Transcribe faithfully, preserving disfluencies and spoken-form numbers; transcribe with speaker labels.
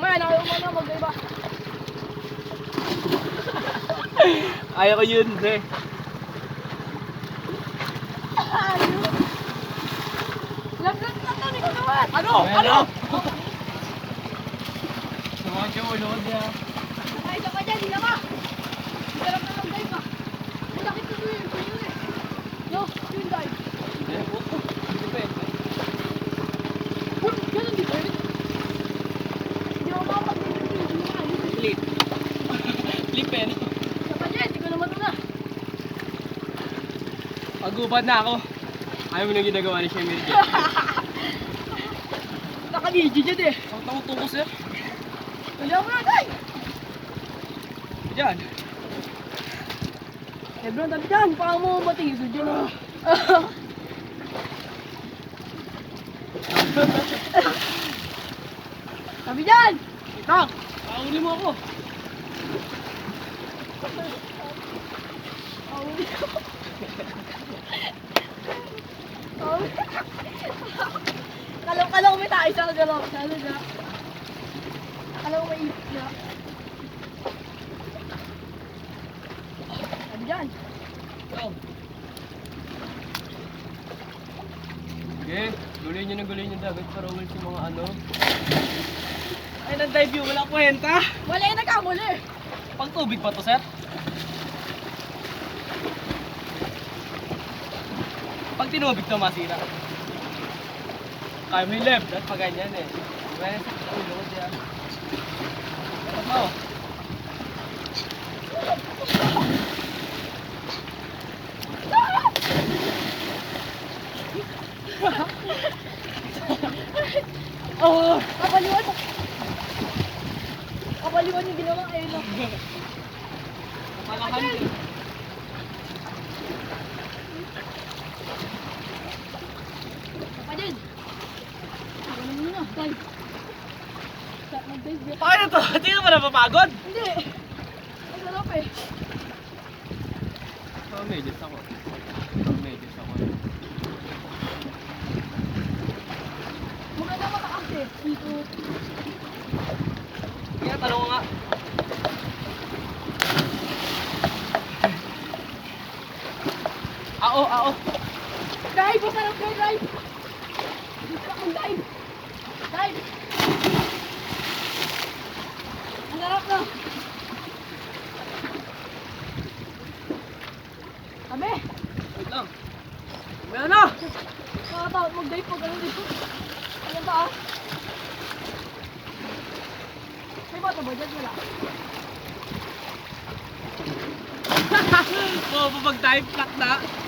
Speaker 1: Mamaya, nakayuma na, mag-iba.
Speaker 2: Ayaw ko yun, pre.
Speaker 1: Laglag na to, ikaw naman.
Speaker 2: Ano? Ano? Sumakot yung ulo niya.
Speaker 1: Ay, isa ka dyan, hindi ka. Hindi ka lang na mag-dive ah. Malakit na yun, yun eh. No, yun dive.
Speaker 2: Eh, puto. Hindi pwede.
Speaker 1: Uy, ganun di pwede. Hindi ako makapag-dive yun, hindi ka.
Speaker 2: Flip. Flip eh, no?
Speaker 1: Isa ka dyan, hindi ko naman una.
Speaker 2: Pagubad na ako. Ayaw mo na ginagawa ni Shemir dyan.
Speaker 1: Naka-D J dyan eh.
Speaker 2: Ang tawag-tungkos niya.
Speaker 1: Hindi ako na, dive.
Speaker 2: Diyan.
Speaker 1: Lebron, tabi dyan. Baka mo matigil dyan ah. Tabi dyan.
Speaker 2: Ito. Pauli mo ako.
Speaker 1: Pauli ko. Pauli. Kalaw-kalaw may tayo sa galaw. Salo na. Kalaw may ipit na. Tabi dyan.
Speaker 2: Ito. Sige, gulay nyo ng gulay nyo dagat para ulit yung mga ano. Ay, nag-dive yun. Wala kwenta.
Speaker 1: Wala yung nagkamuli.
Speaker 2: Pag tubig pa to, sir? Pag tinubig to, masira. Kaya mo yung left. At pag ganyan eh. Kaya sa ulo ko siya. Dapat mo.
Speaker 1: Oh, kapaliwan. Kapaliwan yung ginawa. Ayun na.
Speaker 2: Malakan yun.
Speaker 1: Saka din. Ano mo na, dive. Sa- Mag-dive yun.
Speaker 2: Paano to? Hindi ka ba napapagod?
Speaker 1: Hindi. Ang sarap eh.
Speaker 2: Oh, medyo ako. Medyo ako.
Speaker 1: Maganda mataas eh. Dito.
Speaker 2: Kaya tanong ko nga. Ao, ao.
Speaker 1: Dive! Masarap kayo, dive! Gusto akong dive! Dive! Ang sarap na! Kami!
Speaker 2: Wait lang. Meron na!
Speaker 1: Nakakatakot mag-dive pag ano dito. Ayan ba ah? May bata ba dyan? Wala.
Speaker 2: Oo, pag-dive, plak na.